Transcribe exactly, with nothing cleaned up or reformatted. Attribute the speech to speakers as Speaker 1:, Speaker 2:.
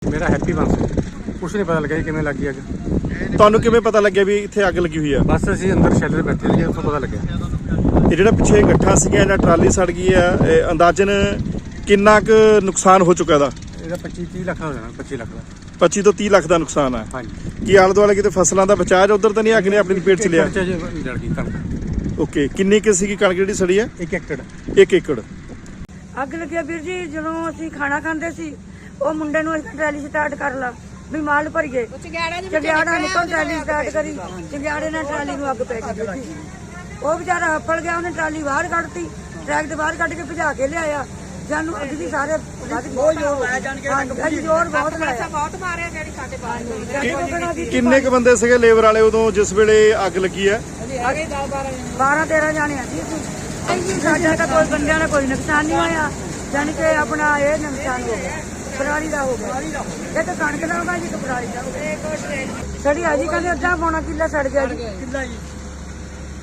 Speaker 1: ਮੇਰਾ ਹੈਪੀ ਬੰਸ। ਕੁਛ ਨਹੀਂ ਪਤਾ ਲੱਗਿਆ ਜੀ ਕਿਵੇਂ ਲੱਗੀ ਅੱਗ।
Speaker 2: ਤੁਹਾਨੂੰ ਕਿਵੇਂ ਪਤਾ ਲੱਗਿਆ ਵੀ ਇੱਥੇ ਅੱਗ ਲੱਗੀ ਹੋਈ ਆ?
Speaker 1: ਬਸ ਅਸੀਂ ਅੰਦਰ ਸ਼ੈਲਰ ਬੈਠੇ ਸੀ, ਉੱਥੋਂ ਪਤਾ ਲੱਗਿਆ।
Speaker 2: ਇਹ ਜਿਹੜਾ ਪਿੱਛੇ ਗੱਠਾਂ ਸੀਗੀਆਂ, ਇਹਨਾਂ ਟਰਾਲੀ ਸੜ ਗਈ ਆ, ਇਹ ਅੰਦਾਜ਼ਨ ਕਿੰਨਾ ਕੁ ਨੁਕਸਾਨ ਹੋ ਚੁੱਕਾ ਇਹਦਾ?
Speaker 1: ਇਹਦਾ ਪੱਚੀ ਤੀਹ ਲੱਖ ਦਾ ਹੋ ਜਾਣਾ, ਪੱਚੀ ਲੱਖ ਦਾ।
Speaker 2: ਪੱਚੀ ਤੋਂ ਤੀਹ ਲੱਖ ਦਾ ਨੁਕਸਾਨ ਆ।
Speaker 1: ਹਾਂਜੀ।
Speaker 2: ਕੀ ਆਲੇ ਦੁਆਲੇ ਕਿਤੇ ਫਸਲਾਂ ਦਾ ਬਚਾਅ ਜਾਂ ਉਧਰ ਤਾਂ ਨਹੀਂ ਅੱਗ ਨੇ ਆਪਣੀ ਲਪੇਟ ਚ ਲਿਆ?
Speaker 1: ਜੜ ਗਈ ਕਣਕ।
Speaker 2: ਓਕੇ, ਕਿੰਨੀ ਕੁ ਸੀਗੀ ਕਣਕ ਜਿਹੜੀ ਸੜੀ ਆ?
Speaker 1: ਇੱਕ ਏਕੜ।
Speaker 2: ਇੱਕ ਏਕੜ।
Speaker 3: ਅੱਗ ਲੱਗਿਆ ਵੀਰ ਜੀ, ਜਦੋਂ ਅਸੀਂ ਖਾਣਾ ਖਾਂਦੇ ਸੀ, ਉਹ ਮੁੰਡੇ ਨੂੰ ਅਸੀਂ ਟਰੈਲੀ ਸਟਾਰਟ ਕਰ ਲਾ ਵੀ ਮਾਲ ਭਰੀਏ। ਚੰਗਿਆੜਾ ਨਿਕਲ ਟਰਾਲੀ ਸਟਾਰਟ ਕਰੀ, ਚੰਗਿਆੜੇ ਨਾਲ ਟਰਾਲੀ ਨੂੰ ਅੱਗ ਪੈ ਗਈ ਵੀਰ ਜੀ। ਉਹ ਵਿਚਾਰਾ ਹੱਫੜ ਗਿਆ, ਉਹਨੇ ਟਰਾਲੀ ਬਾਹਰ ਕੱਢਤੀ, ਟਰੈਕ ਦੇ ਬਾਹਰ ਕੱਢ ਕੇ ਭਜਾ ਕੇ ਲਿਆਇਆ। ਸਾਨੂੰ ਅੱਗ ਦੀ ਸਾਰੇ ਬਹੁਤ ਜ਼ੋਰ ਲਾਇਆ, ਜਾਣ ਜ਼ੋਰ ਬਹੁਤ ਲਾਇਆ, ਬਹੁਤ ਮਾਰਿਆ ਜਿਹੜੀ ਸਾਡੇ ਬਾਹਰ।
Speaker 2: ਕਿੰਨੇ ਕੁ ਬੰਦੇ ਸੀਗੇ ਲੇਬਰ ਵਾਲੇ ਉਦੋਂ ਜਿਸ ਵੇਲੇ ਅੱਗ ਲੱਗੀ ਆ?
Speaker 3: ਬਾਰਾਂ ਤੇਰਾਂ ਜਾਣੇ ਆ ਜੀ। ਸਾਡਾ ਤਾਂ ਕੋਈ ਬੰਦਿਆਂ ਦਾ ਕੋਈ ਨੁਕਸਾਨ ਨਹੀਂ ਹੋਇਆ, ਜਾਣੀ ਕਿ ਆਪਣਾ ਇਹ ਨੁਕਸਾਨ ਹੋ ਗਿਆ, ਪਰਾਲੀ ਦਾ ਹੋ ਗਿਆ। ਇਹ ਤਾਂ ਕਣਕ ਦਾ ਹੋਗਾ ਜੀ, ਇੱਕ ਪਰਾਲੀ ਦਾ ਹੋ ਗਿਆ। ਸੜੀ ਆ ਜੀ, ਕਹਿੰਦੇ ਅੱਧਾ ਪੌਣਾ ਕਿੱਲਾ ਸੜ ਗਿਆ ਜੀ।